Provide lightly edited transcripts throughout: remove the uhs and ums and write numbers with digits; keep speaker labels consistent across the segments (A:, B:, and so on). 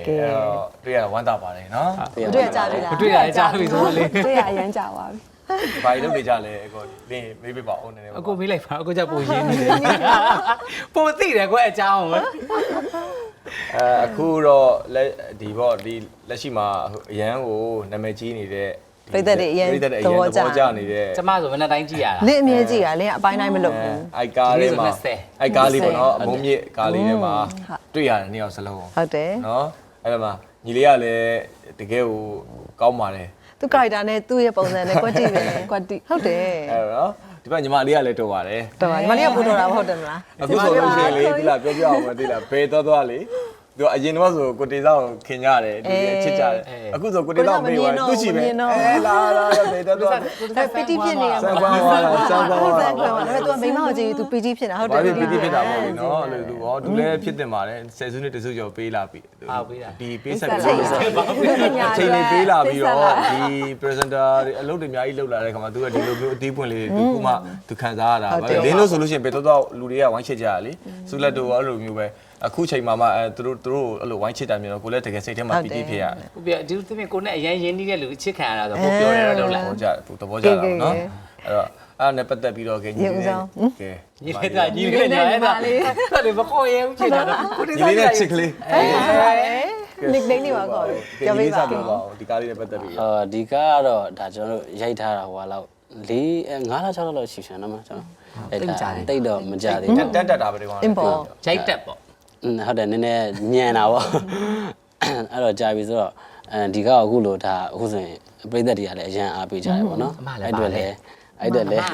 A: တွေ့ရဝမ်းသာပါတယ်နော်
B: တွေ့ရကြပြီလား
C: တွေ့ရကြပြီဆိုတော့လေ
B: တွေ့ရအရင်ကြပါပြီ
A: ဘာလို့နေကြလဲကိုလင်းမေးပေးပါဦးနည်းနည်း
C: အကိုမေးလိုက်ပါအကိုကြောက်ပုံရင်းနေတယ်ပုံသိတယ်ကွအကြောင်းပဲ
A: အခုတော့ဒီပေါ့ဒီလက်ရှိမှာအရန်ကိုနာမည်ကြီးနေတဲ့
B: ပြည့်တဲ့တွေအရင်သဘောကျ
A: နေတဲ့
C: ကျမဆိုမနေ့တိုင်းကြည့်ရတာ
B: လင်းအမြဲကြည့်ရလင်းအပိုင်းတိုင်းမလုပ်ဘူး
A: အိုက်ကားလေးမှာအိုက်ကားလေးပေါ့နော်အမုံမြင့်ကားလေးထဲမှာတွေ့ရတယ်နှစ်ယောက်စလုံး
B: ဟုတ်တယ်
A: နော်အဲ့ဒါမှာညီလေးကလည်းတကယ်ကိုကောင်းပါတယ်
B: သူ character နဲ့သူ့ရဲ့ပုံစံနဲ့ကွက်တိပဲကွက်တိဟုတ်တယ်
A: အဲ့တော့ဒီဘက်ညီမလေးကလည်းတော်ပါတယ်
B: တော်ပါညီမလေးကပူတော်တာမဟုတ်တယ်မလား
A: အခုဆိုလို့ရှိရင်လေဒီလားပြောပြအောင်မသိလားဘယ်သွားလေသူအရင်တော့ဆိုကိုတေဆောင်ခင်ကြတယ်ဒီချစ်ကြတယ်အခုဆိုကိုတေဆောင်မေးသွားသူ့ရှိပဲလာဘယ်တော့
B: ပီတီဖြစ်နေရမှာ
A: စံကွမ်းသွားစံကွမ်းသွား
B: ဒါပေမဲ့ तू မိမကိုကြည့် तू ပီတီဖြစ်တာဟုတ်တယ်
A: ပီတီဖြစ်တာပေါ့လေနော်အဲ့လိုသူဟောသူလည်းဖြစ်တင်ပါတယ်ဆယ်စုနှစ်တစုကျော်ပေးလာပြီဒီပေးဆက်ပြီးချိန်နေပေးလာပြီးတော့ဒီ presenter တွေအလုပ်တွေအများကြီးလုပ်လာတဲ့ခါမှာသူကဒီလိုမျိုးအသေးပွင့်လေးသူကမှသူခံစားရတာပဲလင်းလို့ဆိုလို့ရှိရင်ဘယ်တော့လူတွေကဝိုင်းချစ်ကြရလေစုလက်တို့အဲ့လိုမျိုးပဲအခုချိန်မှာမှသူတို့အဲ့လိုဝိုင်းချစ်တာမျိုးတော့ကိုလည်းတကယ်စိတ်ထဲမှာပီတိဖြစ်ရတယ်
C: ဟုတ်ပြီဒီလိုသမီးကိုနဲ့အရင်ရင်းနှီးတဲ့လူအချစ်ခံရတာဆိုကိုပြောရတော့လို့လား
A: သဘောကျတယ်သဘောကျတာနော်အဲ့တော့အဲ့နဲ့ပတ်သက်ပြီးတော့ကဲညီလေး
C: ညီလေးကညီလေးညာအဲ့ဒါလေမခေါ်ရဲဘူးချစ်တာတော့
A: ညီလေးနဲ့ချစ်ကလေး
B: nickname တွေပါခေါ်
A: ပြောပေးပါဦးဒီကားလေးနဲ့ပတ်သက်ပြီး
D: ဒီကားကတော့ဒါကျွန်တော်တို့ရိုက်ထားတာဟိုလောက်5လ6လလောက်ရှိချင်တော့မှကျွန်တော်တိတ်တော့မကြသေးဘူး
A: တက်တာပဲဒီကောင်
C: ရိုက်တက်ပေါ့
D: ဟုတ်တယ်နည်းနည်းညံတာပေါ့အဲ့တော့ကြာပြီဆိုတော့ဒီကားအခုလို့ဒါအခုဆိုရင်ပြိသက်တွေကလည်းအရန်အားပေးကြတယ်ပေါ့နော်အဲ့တော့လည်းတကယ်ဟို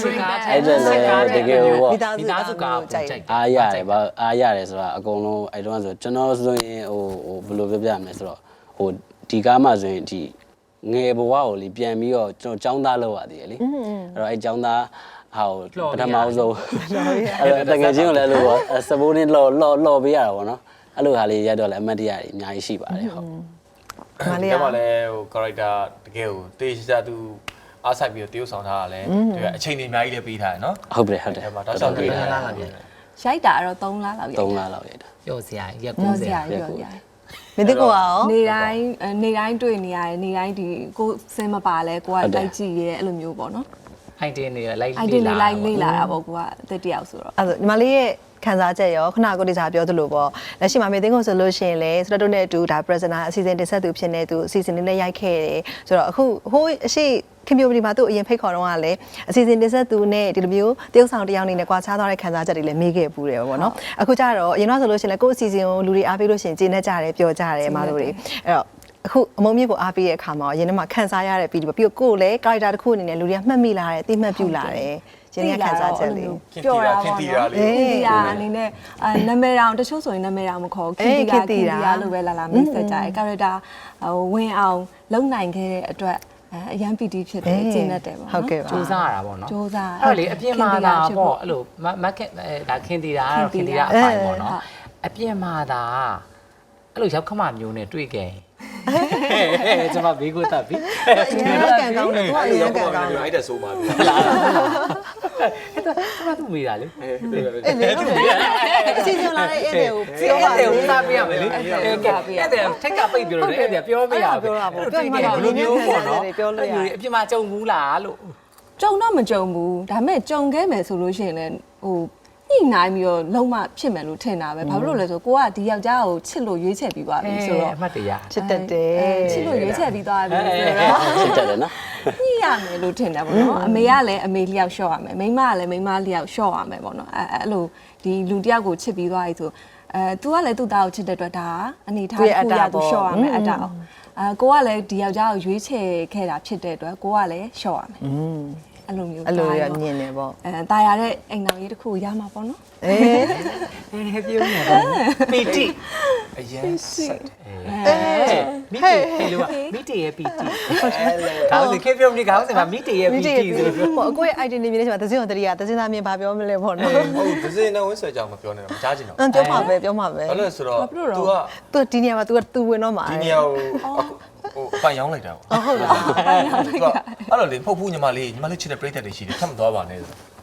C: မိသားစုကားကြိုက်
D: အားရတယ်ဗျအားရတယ်ဆိုတာအကုန်လုံးအဲ့တော့ဆိုကျွန်တော်ဆိုရင်ဟိုဘယ်လိုပြောပြရမလဲဆိုတော့ဟိုဒီကားမှဆိုရင်ဒီငယ်ဘဝကိုလေပြန်ပြီးတော့ကျွန်တော်ចောင်းသားလောက်ရသေးတယ်လေအဲ့တော့အဲ့ចောင်းသားဟာပထမဆုံးအဲ့တကယ်ချင်းကိုလည်းလို့ပေါ့စပိုးနဲ့လော်ပေးရတာပေါ့နော်အဲ့လိုဟာလေးရတော့လည်းအမှတ်တရအများကြီးရှိပါတယ်ဟုတ်
A: မလေးကလည်းဟို character တကယ်ကိုတေးရှာသူအားဆိုင်ပြီးတော့တရုပ်ဆောင်ထားတာလည်းဒီအချိန်တွေအများကြီးလည်းပေးထားတယ်နော်
D: ဟုတ်တယ်
A: အဲ့မှာတောက်လျှောက်ပေးထားတာ
B: ရိုက်တာအဲ့တော့3လလောက်ရိုက်
D: 3လလောက်ရိုက်တာ
C: ရော့စရာရက်
B: 90ရက်မင်းတို့ကရောနေတိုင်းတွေ့နေရတယ်နေတိုင်းဒီကိုစင်မပါလဲကိုကတိုက်ကြည့်ရဲအဲ့လိုမျိုးပေါ့နော်
C: အိုင်တင်တွေလိုက်
B: လေ့လာတာပေါ့ကိုကတက်တယောက်ဆိုတော့အဲ့ဒါညီမလေးရဲ့ခံစားချက်ရောခဏကိုတိစားပြောသလိုပေါ့လက်ရှိမှာမေသိန်းကိုဆိုလို့ရှိရင်လေစတတုနဲ့အတူဒါ presenter အစီအစဉ်တင်ဆက်သူဖြစ်နေသူအစီအစဉ်လေးနဲ့ရိုက်ခဲ့တယ်ဆိုတော့အခုဟိုးအရှိခင်ဗျိုပဒီမှာသူ့အရင်ဖိတ်ခေါ်တော့ကလည်းအစီအစဉ်တင်ဆက်သူနဲ့ဒီလိုမျိုးတရုပ်ဆောင်တယောက်နေနဲ့ကွာခြားသွားတဲ့ခံစားချက်တွေလည်းမေးခဲ့ပူတယ်ပေါ့နော်အခုကျတော့အရင်တော့ဆိုလို့ရှိရင်လေကိုယ့်အစီအစဉ်ကိုလူတွေအားပေးလို့ရှိရင်ကျေနပ်ကြတယ်ပျော်ကြတယ်အမတို့တွေအဲ့တော့အခုအမုံမြင့်ကိုအားပေးတဲ့အခါမှာရင်းနှီးမှာခန်းစားရတဲ့ပြီးပြီးတော့ကိုယ်လည်း character တစ်ခုအနေနဲ့လူတွေကမှတ်မိလာတယ်သိမှတ်ပြုလာတယ်ကျင်းရခန်းစားချက်လေး
A: ပြောတာပေါ့နော်
B: ခင်တီယာအနေနဲ့နာမည်တောင်တချို့ဆိုရင်နာမည်တောင်မခေါ်ခင်တီယာလို့ပဲလာမိတ်ဆက်ကြတယ် character ဟိုဝင်အောင်လုံနိုင်ခဲ့တဲ့အတွက်အရန်ပီတီဖြစ်တယ်ကျင်းတတ်တယ်ပေါ့နော်
C: စူးစမ်းရတာပေါ့နော်
B: စူးစမ်း
C: အဲ့လေအပြင်မှာဒါပေါ့အဲ့လိုမက်ဒါခင်တီယာကတော့ခင်တီယာအပိုင်ပေါ့နော်အပြင်မှာဒါအဲ့လိုရောက်ခမမျိုးနဲ့တွေ့ခဲ့ကျွန်မဘေးကိုတက်ပြီ
B: ရန်ကန်ကောင်းတယ်သူကရန်ကန်ကောင်း
A: တယ်အဲ့ဒါဆိုပါပြီ
C: လားအဲ့ဒါကျွန်မသူ့မိတာလေ
B: အဲ့အစီအစဉ်လာတဲ့အဲ့တွေကိုပြောပါလေ
C: စားပြရမယ်လေအဲ့ဒါထက်ကပိတ်ပြောတယ်အဲ့ဒါပြောမရဘူး
B: ပြောတာပေါ့ပြောမှလည်းဘယ်လိုမျိုးပေါ့နော်ပြောလို့ရတယ်
C: အပြင်မှာကြုံဘူးလားလို့
B: ကြုံတော့မကြုံဘူးဒါပေမဲ့ကြုံခဲ့မယ်ဆိုလို့ရှိရင်လည်းဟိုညှိနှိုင်းပြီးတော့လုံးဝဖြစ်မယ်လို့ထင်တာပဲဘာဖြစ်လို့လဲဆိုကိုကဒီယောက်ျားကိုချစ်လို့ရွေးချယ်ပြီးသွားပြီဆိုတော့
C: အမှတ်တရ
B: ချစ်တတ်တယ်ချစ်လို့ရွေးချယ်ပြီးသွားပြီဆိုတော့
D: ချစ်တတ်တယ်နော်
B: ညှိရမယ်လို့ထင်တယ်ပေါ့နော်အမေကလည်းအမေလျောက်လျှော့ရမယ်မိန်းမကလည်းမိန်းမလျောက်လျှော့ရမယ်ပေါ့နော်အဲ့လိုဒီလူတယောက်ကိုချစ်ပြီးသွားပြီဆိုतू ကလည်းသူ့သားကိုချစ်တဲ့အတွက်ဒါအနေထားကိုရသူလျှော့ရမယ်အတားကိုကလည်းဒီယောက်ျားကိုရွေးချယ်ခဲ့တာဖြစ်တဲ့အတွက်ကိုကလည်းလျှော့ရမယ်အဲ့လိုမျိုး
E: အဲ့လိုရမြင်နေပေါ့
B: တာယာတဲ့အိမ်တော်ကြီးတစ်ခုရမှာပေါ့နော်
C: ပြောနေတယ်ပီတီ
A: အရင်ဆက်
C: မိတီဟဲ့လို့မိတီရဲ့ပီတီခေါင်းစဉ်ခေပြောနေခေါင်းစဉ်မှာမိတီရဲ့ပီတီဆို
E: လို့ပေါ့အကိုရဲ့ idea နေမြင်နေချင်မှာသစင်းတော်တရီကသစင်းသားမြင်ဘာပြောမလဲပေါ့နော်
A: ဟုတ်သစင်းနဲ့ဝင်းဆွဲကြောင်မပြောနဲ့တော့မကြားချင်တော့
E: ပြောမှာပဲပြောမှာပဲ
A: အဲ့လိုဆိုတော့
E: तू ဒီနေရာမှာ तू ဝင်တော့မှာ
A: ဒီနေရာကိုဟိုအပိုင်ရောင်းလိုက်တာ
E: ဟုတ်လားအပိုင်ရောင်းလိုက်တာ
A: အဲ့လိုလေဖုတ်ဖူးညီမလေးချစ်တဲ့ပြိတ္တတွေရှိတယ်ထပ်မသွားပါနဲ့ဆို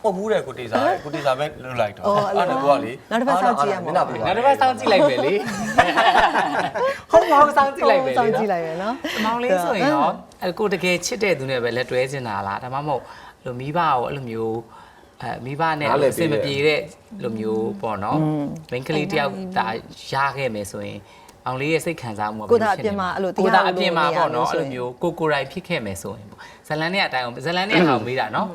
A: ပုတ်ဘူးတဲ့ကိုတေစာပဲလွတ်လိုက်တော့အဲ့ဒါကိုကလေ
B: နောက်တစ်ပတ်စောင့်ကြည့်ရမှာ
C: နောက်တစ်ပတ်စောင့်ကြည့်လိုက်မယ်လေဟုတ်ပါဘူးစောင့်ကြည့်လိုက်မယ်လေ
B: စောင့်ကြည့်လိုက်ရနော်
C: မောင်လေးဆိုရင်ရောကိုတကယ်ချစ်တဲ့သူနဲ့ပဲလက်တွဲနေတာလားဒါမှမဟုတ်လိုမိဘကိုအဲ့လိုမျိုးမိဘနဲ့အဆင်မပြေတဲ့လိုမျိုးပေါ့နော်မိန်းကလေးတယောက်ဒါရခဲ့မယ်ဆိုရင်အောင်လေးရဲ့စိတ်ခံစားမှုက
B: ကိုသာအပြင်မှာအဲ့လို
C: ကိုသာအပြင်မှာပေါ့နော်အဲ့လိုမျိုးကိုရိုက်ဖြစ်ခဲ့မယ်ဆိုရင်ပေါ့ဇလန်နဲ့အတိုင်းဇလန်နဲ့အောင်မေးတာနော်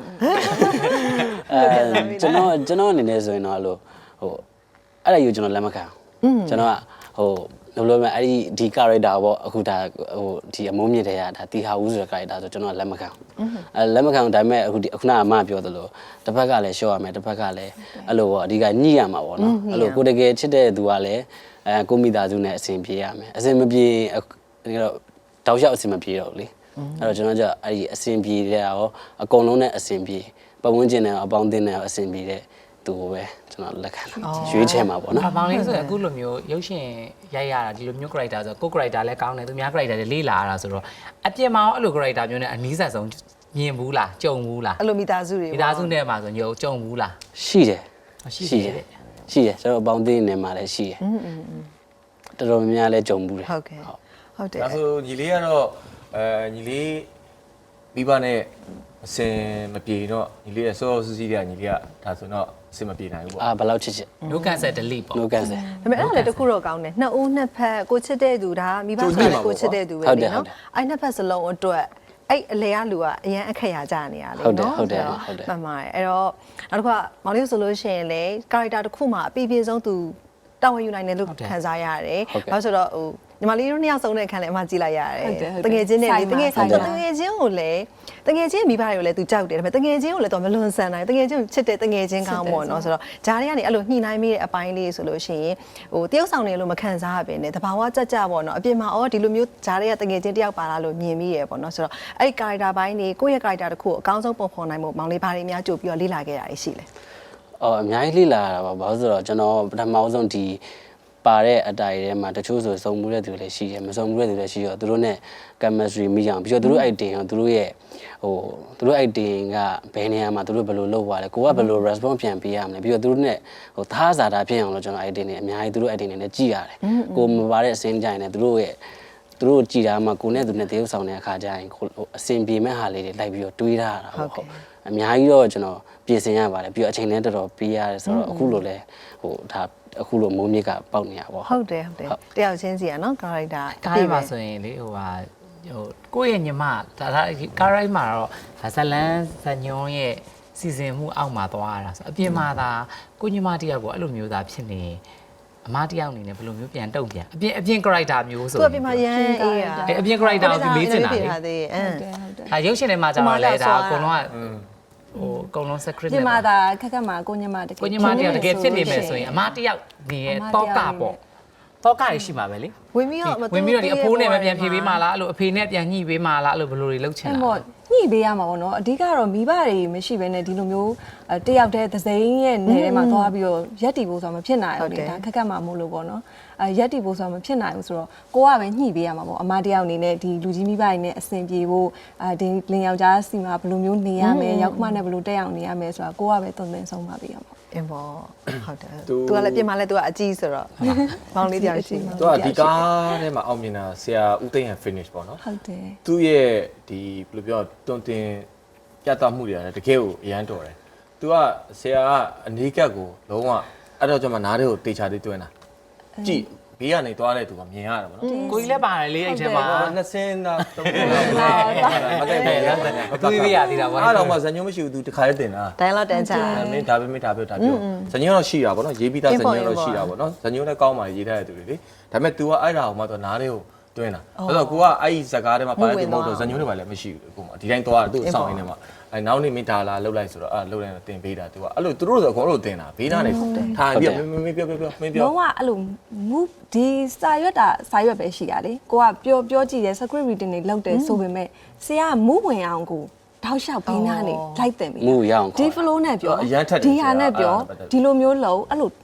D: ကျွန်တော်အနေနဲ့ဆိုရင်တော့အဲ့လိုဟိုအဲ့ဒါယူကျွန်တော်လက်မခံကျွန်တော်ကဟိုဘယ်လိုလဲအဲ့ဒီ character ပေါ့အခုဒါဟိုဒီအမုန်းမြင့်တဲ့ကဒါတီဟာဦးဆိုတဲ့ character ဆိုကျွန်တော်လက်မခံလက်မခံဒါပေမဲ့အခုခုနကအမပြောသလိုတစ်ဖက်ကလည်းရှော့ရမယ်တစ်ဖက်ကလည်းအဲ့လိုပေါ့အဓိကညှိရမှာပေါ့နော်အဲ့လိုကိုတကယ်ချစ်တဲ့သူကလည်းကိုမိသားစုနဲ့အဆင်ပြေရမယ်အဆင်မပြေတော့တောက်လျှောက်အဆင်မပြေတော့လေအဲ့တော့ကျွန်တော်ကအဲ့ဒီအဆင်ပြေတဲ့ရောအကုန်လုံးနဲ့အဆင်ပြေပတ်ဝန်းကျင်နဲ့အပေါင်းအသင်းနဲ့အဆင်ပြေတဲ့သူကိုပဲကျွန်တော်လက်ခံရွေးချယ်မှာပေါ့နော်
C: မောင်လေးဆိုရင်အခုလိုမျိုးရုပ်ရှင်ရိုက်ရတာဒီလိုမျိုး character ဆိုကို character လည်းကောင်းတယ်သူများ character တွေလေးလာရတာဆိုတော့အပြင်မှာအဲ့လို character မျိုးနဲ့အနည်းဆက်ဆုံးမြင်ဘူးလားကြုံဘူးလား
B: အဲ့လိုမိသားစုတွေ
C: မိသားစုနဲ့မှာဆိုညိုကြုံဘူးလား
D: ရှိတယ်
C: ရှိတယ်
D: ကျွန်တော်အပေါင်းအသင်းနဲ့မှာလည်းရှိတယ်တော်တော်များများလည်းကြုံဘူးတယ်
B: ဟုတ်ကဲ့ဟုတ်တယ်
A: ဒါဆိုညီလေးကတော့ညီလေးမိဘနဲ့အစင်မပြေတော့ညီလေးရဲ့စောစောစီးစီးတဲ့ညီလေးကဒါဆိုတော့အစင်မပြေနိုင်ဘူးပေါ့
D: ဘယ်လောက်ချစ်ချစ်
C: no cancel delete ပေါ့
D: no cancel
B: ဒါပေမဲ့အဲ့ဒါလည်းတစ်ခုတော့ကောင်းတယ်နှစ်ဦးနှစ်ဖက်ကိုချစ်တဲ့သူဒါမိဘဆိုလည်းကိုချစ်တဲ့သူပဲလေနော်အဲ့နှစ်ဖက်စလုံးအတွက်အဲ့အလေကလူကအရန်အခက်ရကြနေရလေနော်မှန်ပါတယ်အဲ့တော့နောက်တစ်ခါမောင်လေးဆိုလို့ရှိရင်လေ character တစ်ခုမှာအပြည့်ပြည့်စုံသူတာဝန်ယူနိုင်တယ်လို့ခံစားရတယ်ဘာလို့ဆိုတော့ဟိုညီမလေးတို့နှစ်ယောက်ဆုံးတဲ့အခန်းလည်းအမှကြည့်လိုက်ရတယ်တငယ်ချင်းနဲ့လေတငယ်ချင်းကိုလည်းတငယ်ချင်းမိဘတွေကိုလည်းသူကြောက်တယ်ဒါပေမဲ့တငယ်ချင်းကိုလည်းတော့မလွန်ဆန်နိုင်တငယ်ချင်းချစ်တဲ့တငယ်ချင်းကောင်းပေါ့နော်ဆိုတော့ဂျားတွေကနေအဲ့လိုညှိနှိုင်းမိတဲ့အပိုင်းလေးဆိုလို့ရှိရင်ဟိုတယောက်ဆောင်နေလို့မခံစားရပဲနဲ့တဘာဝကြကြပေါ့နော်အပြင်မှာအော်ဒီလိုမျိုးဂျားတွေကတငယ်ချင်းတယောက်ပါလာလို့မြင်မိရပေါ့နော်ဆိုတော့အဲ့ character ဘိုင်းတွေကိုယ့်ရဲ့ character တစ်ခုကိုအကောင်းဆုံးပုံဖော်နိုင်ဖို့မောင်လေးဘာတွေများကြိုပြီးတော့လေ့လာခဲ့တာရှိလဲ
D: အများကြီးလေ့လာတာပါဘာလို့ဆိုတော့ကျွန်တော်ပထမဆုံးဒီပါတဲ့အတိုင်ထဲမှာတချို့ဆိုစုံမှုတဲ့သူလည်းရှိတယ်မစုံမှုတဲ့သူလည်းရှိရောသူတို့ ਨੇ chemistry မိအောင်ပြီးတော့သူတို့ item ရောသူတို့ရဲ့ဟိုသူတို့ item ကဘယ်နေရာမှာသူတို့ဘယ်လိုလုပ်သွားလဲကိုကဘယ်လို response ပြန်ပေးရမလဲပြီးတော့သူတို့ ਨੇ ဟိုသားစားတာဖြစ်အောင်လို့ကျွန်တော် item တွေအများကြီးသူတို့ item တွေနဲ့ကြည့်ရတယ်ကိုမပါတဲ့အစင်းကြိုင်နဲ့သူတို့ရဲ့သူတို့ကြည်တာမှကိုနဲ့သူနဲ့တရုပ်ဆောင်တဲ့အခါကျရင်အစင်ပြေမဲ့ဟာလေးတွေလိုက်ပြီးတော့တွေးထားတာဟုတ်အများကြီးတော့ကျွန်တော်ပြင်ဆင်ရပါတယ်ပြီးတော့အချိန်လည်းတော်တော်ပေးရတယ်ဆိုတော့အခုလိုလဲဟိုဒါအခုလိုမိုးမြစ်ကပေါက်နေရပါဘော
B: ဟုတ်တယ်တယောက်ချင်းစီอ่ะเนาะ character
C: ကားရိုက်မှာဆိုရင်လေဟိုဟာဟိုကိုယ့်ရဲ့ညီမဒါကားရိုက်မှာတော့ဇလန်းဇညွန်ရဲ့စီစဉ်မှုအောက်မှာသွားရတာဆိုအပြင်မှာဒါကိုညီမတယောက်ကိုအဲ့လိုမျိုးသားဖြစ်နေအမတယောက်အနေနဲ့ဘယ်လိုမျိုးပြန်တုံ့ပြန်အပြင် character မျိုးဆို
B: သူအပြင်မှာရန်အေးอ่ะ
C: အပြင် character ကိုမေးချင်တာလေ
B: ဟုတ်တယ်ဟုတ်တယ်
C: ဒါရုပ်ရှင်ထဲမှာကျတော့လေဒါအကုန်လုံးကဟိုအကုန်လုံး secret
F: ဒီမှာဒါခက်ခက်မှာကိုညမတကယ်
C: ကိုညီမတယောက်တကယ်ဖြစ်နေမယ်ဆိုရင်အမတယောက်ဒီရဲ့တောကပေါ့တောကရရှိမှာပဲလေ
B: ဝင်ပြီးတော့
C: ဝင်ပြီးတော့ဒီအဖိုးနဲ့မပြန်ဖြေပေးမှလားအဲ့လိုအဖေနဲ့ပြန်ညှိပေးမှလားအဲ့လိုဘယ်လိုတွေလုပ်ချင်
F: အဲ့
C: တာ
F: ပေါ့ညှိပေးရမှာပေါ့နော်အဓိကတော့မိဘတွေမရှိဘဲနဲ့ဒီလိုမျိုးတယောက်တည်းသစိမ်းရဲ့နေထဲမှာသွားပြီးတော့ရက်တီဖို့ဆိုတာမဖြစ်နိုင်ဘူးလေဒါခက်ခက်မှာမို့လို့ပေါ့နော်ရက်တီဖို့ဆိုတာမဖြစ်နိုင်ဘူးဆိုတော့ကိုကပဲညှိပေးရမှာပေါ့အမတယောက်အနေနဲ့ဒီလူကြီးမိဘတွေနဲ့အဆင်ပြေဖို့ဒီလင်ယောက်ျားစီမှာဘယ်လိုမျိုးနေရမယ်ရောက်မှနဲ့ဘယ်လိုတက်အောင်နေရမယ်ဆိုတာကိုကပဲသွန်သင်ဆုံးပါပေးရမှာ
B: အင်းပေါ့ဟုတ်တယ်သူကလည်းပြင်မှာလည်းသူကအကြီးဆိုတော့မောင်လေးတယောက်ရှိ
A: သူကဒီကားထဲမှာအောင်မြင်တာဆရာဦးသိန်းဟန် finish ပေါ့နော်
F: ဟုတ်တယ်
A: သူ့ရဲ့ဒီဘယ်လိုပြောတွန်တင်ပြသမှုတွေကလည်းတကယ်ကိုအရန်တော်တယ်သူကဆရာကအနီးကပ်ကိုလုံးဝအဲ့တော့ကျွန်မနားတွေကိုတေချာသေးတွင်းတာကြည့်ဘေးကနေသွားတဲ့သူကမြင်ရတာပေါ့နော်
C: ကိုကြီးလည်းပါတယ်လေအဲ့ထဲမှာ
A: နှစ်စင်းသားသုံးစင်းသားမကဲပဲရမ်းတယ်
C: တွေးပေးရသေးတာပေါ့
A: အဲ့တော့မှဇညုံမရှိဘူးသူတခါလေးတင်တာ
B: dialogue တန်းချ
A: မင်းဒါပဲမင်းဒါပြောဇညုံတော့ရှိတာပေါ့နော်ရေးပြီးသားဇညုံတော့ရှိတာပေါ့နော်ဇညုံလည်းကောင်းပါရေးထားတဲ့သူတွေလေဒါပေမဲ့ तू ကအဲ့ဒါကိုမှတော့နားတွေကိုတွင်းတာအဲ့တော့ကိုကအဲ့ဒီဇကားထဲမှာပါတဲ့သူမဟုတ်တော့ဇညုံတွေပါလည်းမရှိဘူးကိုမဒီတိုင်းသွားတာသူ့ဆောင်ရင်းထဲမှာအဲ့နောက်နေ့မင်းဒါလာလှုပ်လိုက်ဆိုတော့အဲ့လှုပ်လိုက်တော့တင်ပေးတာ तू ကအဲ့လိုသူတို့ဆိုအကုန်လုံးတင်တာဘေးနားနေထားပြီးမင်းပြောမင်းပြော
F: လုံးဝအဲ့လို move ဒီစာရွက်တာစာရွက်ပဲရှိတာလေကိုကပြောကြည့်တယ် script reading တွေလုပ်တယ်ဆိုပေမဲ့ဆရာက move ဝင်အောင်ကိုတောက်လျှောက်ဘေးနားနေလိုက်တင်ပြီ
D: မူရအောင်
F: ဒီ flow နဲ့ပြော
A: အရန်ထက်တယ်
F: ဒီဟာနဲ့ပြောဒီလိုမျိုးလုံးအဲ့လို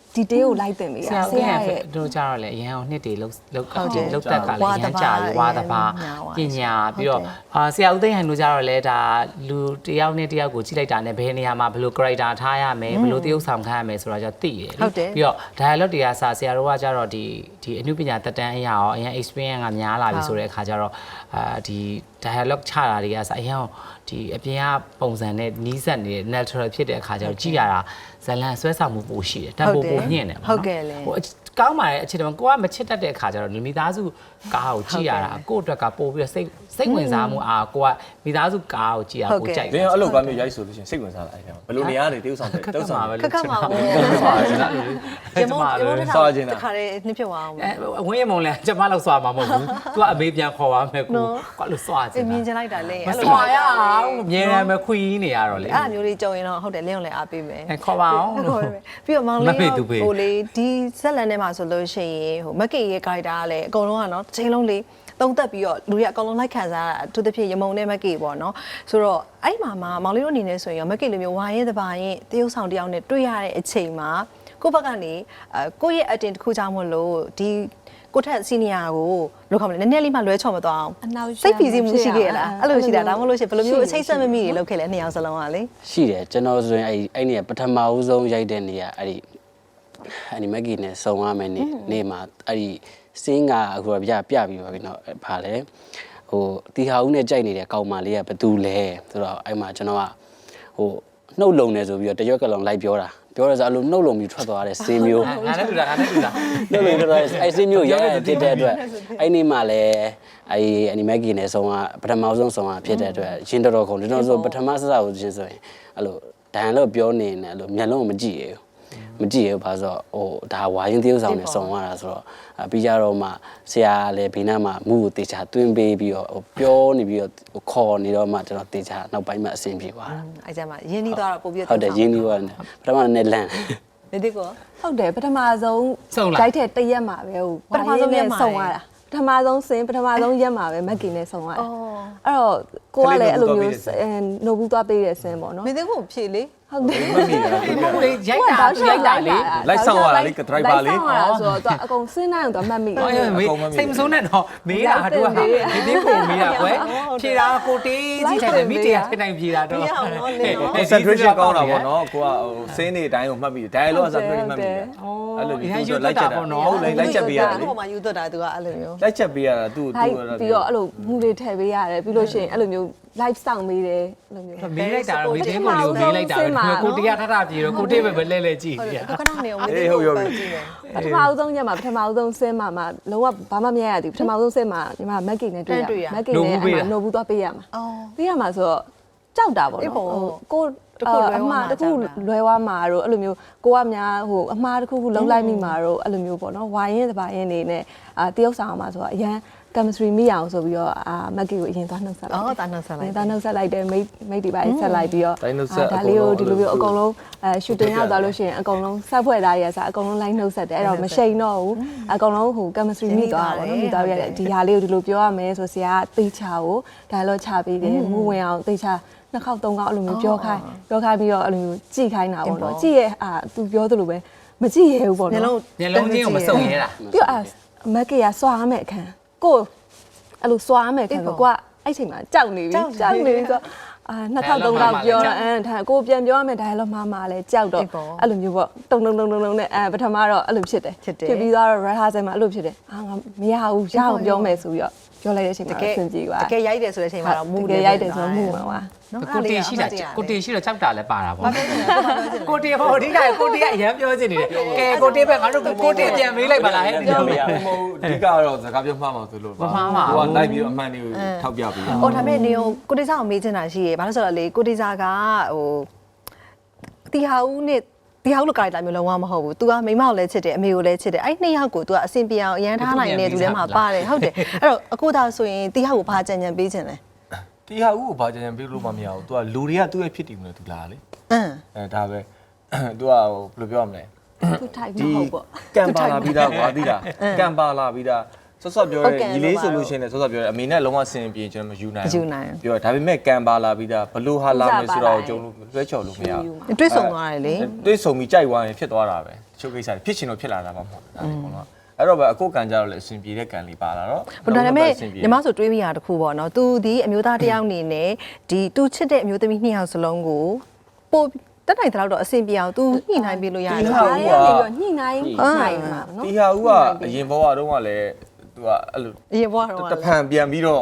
F: ဒီတေးကိုလိုက်တင်ပေး
C: ဆ
F: တာ
C: ရာ
F: ဆ
C: ဦး
F: ရာ
C: ရဲ့
F: ရဲ့
C: တို့ကြတော့လေအရန်အောင်နှစ်တွေလောက်တက်ကလည်းအရန်ကြာပြီးဝါသဘာပညာပြီးတော့ဆရာဦးသိန်းဟန်တို့ကြတော့လေဒါလူတယောက်နဲ့တယောက်ကိုကြည့်လိုက်တာနဲ့ဘယ်နေရာမှာဘယ်လို character ထားရမယ်ဘယ်လိုတရုပ်ဆောင်ခိုင်းရမယ်ဆိုတာကြသိတယ်ပြီးတော့ dialogue တွေကဆရာတို့ကကြတော့ဒီအနုပညာတက်တန်းအရာရောအရန် experience ကများလာပြီဆိုတဲ့အခါကျတော့ဒီ dialogue ချတာတွေကဆအရန်ဒီအပြင်ကပုံစံနဲ့နီးစပ်နေတဲ့ natural ဖြစ်တဲ့အခါကျတော့ကြည့်ရတာဇလန်ဆွဲဆောင်မှုပိုရှိတယ်တန်ဖိုးပိုညင့်တယ်ပေါ့နော်ကောင်းပါတယ်အခြေတော့ကိုကမချစ်တတ်တဲ့အခါကျတော့မိသားစုကားကိုကြည့်ရတာကိုယ့်အတွက်ကပို့ပြီးတော့စိတ်ဝင်စားမှုကိုကမိသားစုကားကိုကြည့်ရပိုကြိုက်တယ်
A: ။အဲ့လိုကားမျိုးရိုက်ဆိုလို့ရှိရင်စိတ်ဝင်စားလာအဲ့ဒါဘယ်လိုနေရာနေတေးဥဆောင်တယ်တေးဥဆောင်ပဲ
B: ခက်ခက်မှာပေါ့
C: ကျမ
B: တခါလေးနှစ်ဖြစ်သွားအောင်
C: အဝင်းရမုံလဲကျမလောက်စွာမှာမဟုတ်ဘူး။ तू အမေပြန်ခေါ်ပါမယ်ကို။ကွာလို့စွာချင်တာ။
B: မြင်ချင်လိုက်တာလေ
C: မစွာရအောင်မြင်ရမယ်ခွီးနေရတော့လေ။
B: အဲ့လိုမျိုးလေးကြုံရင်တော့ဟုတ်တယ်လင်းအောင်လည်းအားပေးမယ်
C: ခေါ်ပါအောင်လို့
B: ပြီးတော့မောင်လေးဟိုလေဒီဇက်လန်ထဲမှာဆိုလို့ရှိရင်ဟိုမက်ကေရဲ့ character ကလည်းအကုန်လုံးကနော်တစ်ချိန်လုံးလေးသုံးသက်ပြီးတော့လူတွေကအကုန်လုံးလိုက်ခံစားတာအထူးသဖြင့်ရမုံနဲ့မက်ကေပေါ့နော်ဆိုတော့အဲ့မှာမောင်လေးတို့အနေနဲ့ဆိုရင်မက်ကေလိုမျိုးဝါရင်တပါရင်တရုပ်ဆောင်တယောက်နဲ့တွေ့ရတဲ့အချိန်မှာကိုယ့်ဘက်ကနေကိုယ့်ရဲ့အတင်တစ်ခုကြောင့်မလို့ဒီကိုထက်စီနီယာကိုလို့ခေါ်မလဲနည်းနည်းလေးမှလွဲချော်မသွားအောင်စိတ်ပီစီမှုရှိခဲ့ရလားအဲ့လိုရှိတာဒါမှမဟုတ်လို့ရှိရင်ဘယ်လိုမျိုးအချိတ်ဆက်မမိတွေလုပ်ခဲ့လဲနှစ်ယောက်စလုံးကလေ
D: ရှိတယ်ကျွန်တော်ဆိုရင်အဲ့နေပထမဦးဆုံးရိုက်တဲ့နေရာအဲ့ဒီမက်ကီနဲ့စုံရမယ်နေမှာအဲ့ဒီစင်းကအခုပြပြီးပါပြီနော်ဗာလဲဟိုတီဟာဦးနဲ့ကြိုက်နေတဲ့ကောင်မလေးကဘသူလဲဆိုတော့အဲ့မှာကျွန်တော်ကဟိုနှုတ်လုံနေဆိုပြီးတော့တရွက်ကလုံးလိုက်ပြောတာပြောရစအဲ့လိုနှုတ်လုံပြီးထွက်သွားတဲ့စင်းမျိုး
C: ငါနဲ့တူတာနှုတ်လုံ
D: ထွက်သွားအဲ့စင်းမျိုးရဲ့ဖြစ်တဲ့အတွက်အဲ့ဒီမှာလဲအဲ့အနီမက်ကီနဲ့ဆုံးကပထမဆုံးဆုံးကဖြစ်တဲ့အတွက်ရင်တော်ခုံကျွန်တော်ဆိုပထမစစကိုချင်းဆိုရင်အဲ့လိုဒိုင်လို့ပြောနေတယ်အဲ့လိုမျက်လုံးမကြည့်ရဘူးဘာလို့ဟိုဒါဝါရင်သရုပ်ဆောင်နဲ့စုံရတာဆိုတော့ပြီးကြတော့မှဆရာလည်းဘေးနားမှာမူကိုတေချာတွင်းပေးပြီးတော့ဟိုပြောနေပြီးတော့ခေါ်နေတော့မှကျွန်တော်တေချာနောက်ပိုင်းမှာအဆင်ပြေသွားတာ
B: အဲ့ကျမှရင်းနှီးသွားတော့ပို့ပြီး
D: ဟုတ်တယ်ရင်းနှီးသွားတယ်ပထမနဲ့လန့်
B: နေဒီကော
F: ဟုတ်တယ်ပထမဆုံးဂျိုက်တဲ့တရက်မှာပဲဟိုပထမဆုံးရက်ဆုံရတာပထမဆုံးစင်ပထမဆုံးရက်မှာပဲမက်ကင်နဲ့ဆုံရတယ်အဲ့တော့ကိုကလည်းအဲ့လိုမျိုးနိုဘူးသွားပေးတဲ့စင်ပေါ့နော်
B: မင်းသိဖို့ဖြေလေ
F: ဟုတ်တယ်
C: မဟုတ်လေရိုက်တာလေ
A: လိုက်ဆောင်ရတာလေဒရိုက်ဘာလေး
F: ဆိုတော့အကုန်စင်းနိုင်တော့မှတ်မိတယ်
C: စိတ်မဆုံးနဲ့တော့မေးတာတို့ကဒီဒီကိုမေးတာကွယ်ဖြေတာကိုတေးကြီးထိုင်တယ်မိတေးထိုင်နိုင်ဖြေတာတော့
A: concentration ကောင်းတာပေါ့နော်ကိုကဟိုစင်းနေတိုင်းကိုမှတ်ပြီး dialogue အစားပြောမှတ်ပြီးအဲ့လိုမျိုးသူလိုက်ချက်တာဟုတ်လိုက်ချက်ပေးရတယ်လေ
B: ဟိုမှာယူသွတ်တာသူကအဲ့လိုမျိုး
A: လိုက်ချက်ပေးရတာသူ
F: ပြီးတော့အဲ့လိုမူတွေထည့်ပေးရတယ်ပြီးလို့ရှိရင်အဲ့လိုမျိုး live ဆောင်ပေးတယ်အဲ့လိုမျိုး
C: မေးလိုက်တာတော့မိတင်းကိုလေးမေးလိုက်တာပဲကိုတရားထထပြေတော့ကိုတေးပဲလဲကြည့်
B: နေရခဏနေအောင်မေးတယ်ဟုတ်ပြီ
F: ပထမဦးဆုံးညမှာပထမဦးဆုံးဆင်းမှာလုံးဝဘာမှမရရသေးဘူးပထမဦးဆုံးဆင်းမှာညီမမက်ကင်နဲ့တွေ့ရမက်ကင်နဲ့နိုဘူးသွားပေးရမှာပေးရမှာဆိုတော့ကြောက်တာပေါ့နော်ကိုအမှားတခုလွဲသွားမှာတော့အဲ့လိုမျိုးကိုကများဟိုအမှားတခုလုံးလိုက်မိမှာတော့အဲ့လိုမျိုးပေါ့နော်ဝိုင်းရင်တပါရင်နေနဲ့တရုပ်ဆောင်မှာဆိုတော့အရန်chemistry မိအောင်ဆိုပြီးတော့မက်ကီကိုအရင်သွားနှုတ်ဆက်လိုက်
B: တာနှုတ်ဆက်လိုက်
F: နှုတ်ဆက်လိုက်တယ်မိတ်ဒီပါဆက်လိုက်ပြီးတော့ဒါလေးကိုဒီလိုမျိုးအကုန်လုံးshooting ရောက်သွားလို့ရှိရင်အကုန်လုံးဆက်ဖွဲ့သားရယ်ဆိုအကုန်လုံး line နှုတ်ဆက်တယ်အဲ့တော့မရှိန်တော့ဘူးအကုန်လုံးဟို chemistry မိသွားတာပေါ့နော်မိသွားရတယ်ဒီဟာလေးကိုဒီလိုပြောရမယ်ဆိုဆရာကသေချာကို dialogue ချပေးတယ်မူဝင်အောင်သေချာနှစ်ခေါက်သုံးခေါက်အဲ့လိုမျိုးပြောခိုင်းပြီးတော့အဲ့လိုမျိုးကြည့်ခိုင်းတာပေါ့နော်ကြည့်ရဲ့သူပြောသလိုပဲမကြည့်ရဘူးပေါ့နော်
C: မျက်လုံးချင်းကိုမစုံရဲတာ
F: ပြီးတော့မက်ကီကစွာရမယ်အခန်းကိုအဲ့လိုစွာမယ်ခင်ဗျကိုကအဲ့ချိန်မှာကြောက်နေပြီဆိုတော့နှစ်ခေါက်သုံးခေါက်ပြောဒါကိုပြန်ပြောရမယ် dialogue မှာလဲကြောက်တော့အဲ့လိုမျိုးပေါ့တုံနဲ့ပထမတော့အဲ့လိုဖြစ်တယ်ဖြစ်ပြီးတော့ rehearsal မှာအဲ့လိုဖြစ်တယ်ငါမရဘူးရအောင်ပြောမယ်ဆိုပြီးတော့ပြောလိုက်တဲ့အချိန်မှာအဆင်ပြေသွား
B: တကယ်ရိုက်တယ်ဆိုတဲ့အချိန်မှာတော့မူ
F: တယ်ရိုက်တယ်ဆိုတော့မူမှာပါ
C: ကိုတေရှိတာကြောက်တာလည်းပါတာပေါ့ကိုတေဟိုအဓိကကိုတေကအရန်ပြောချင်နေတယ်ကဲကိုတေပဲငါတို့ကိုတေပြန်မေးလိုက်ပါလားဟဲ့
A: ပြောမရဘူးမဟုတ်အဓိကတော့စကားပြောမှားမှာဆိုလို့ပါဟိုကလိုက်ပြီးအမှန်တွေကိုထောက်ပြပြီး
B: ဟိုဒါပေမဲ့နေကိုတေစာကိုမေးချင်တာရှိရဘာလို့ဆိုတော့လေကိုတေစာကဟိုတီဟာဦးနဲ့ဒီဟောက်လိုကာရီတာမျိုးလုံးဝမဟုတ်ဘူး။ तू ကမိမကိုလည်းချစ်တယ်အမေကိုလည်းချစ်တယ်။အဲ့နှစ်ယောက်ကို तू ကအဆင်ပြေအောင်အရန်ထားနိုင်တဲ့သူထဲမှာပါတယ်ဟုတ်တယ်။အဲ့တော့အခုဒါဆိုရင်တီဟောက်ကိုဘာကြံပေးခြင်းလဲ
A: ။တီဟာဦးကိုဘာကြံပေးလို့မမရဘူး။ तू ကလူတွေကသူ့ရဲ့ဖြစ်တည်မှုနဲ့ तू လာလေ။ဒါပဲ तू ကဘယ်လိုပြောရမလဲ
F: ။ तू ထိုက်မဟုတ်ပေါ့
A: ။ကံပါလာပြီးသားကွာသိလား။ကံပါလာပြီးသားဆော့ပြောရဲညီလေးဆိုလို့ရှိရင်လည်းဆော့ပြောရဲအမေနဲ့လုံးဝဆင်ပြေကျွန်တော်မယူနိုင်ဘူးပြောဒါပေမဲ့ကံပါလာပြီးသားဘလို့ဟာလာမယ်ဆိုတော့ကျုံလို့လွှဲချော်လို့မရဘူး
B: တွေးဆုံသွားတယ်လေ
A: တွေးဆုံပြီးကြိုက်သွားရင်ဖြစ်သွားတာပဲရှုပ်ကိစ္စဖြစ်ချင်လို့ဖြစ်လာတာမှမဟုတ်ဒါလေပေါ့နော်အဲ့တော့ပဲအကုတ်ကန်ကြတော့လေအဆင်ပြေတဲ့ကန်လေးပါလာတော့
B: ဒါပေမဲ့ညီမဆိုတွေးမိတာတခုပေါ့နော်။ तू ဒီအမျိုးသားတစ်ယောက်အနေနဲ့ဒီ तू ချစ်တဲ့အမျိုးသမီးနှစ်ယောက်စလုံးကိုပို့တက်နိုင်တဲ့တော့အဆင်ပြေအောင် तू ညှိနှိုင်းပေးလို့ရတယ်။
F: ဒါလေးကနေပြီးညှိနှိုင်းနိုင်မှာနော်
A: ဒီဟာဦးကအရင်ဘဝတုန်းကလည်း तू ကအဲ့လို
B: အရင်ဘွားတော့
A: တဖန်ပြန်ပြီးတော့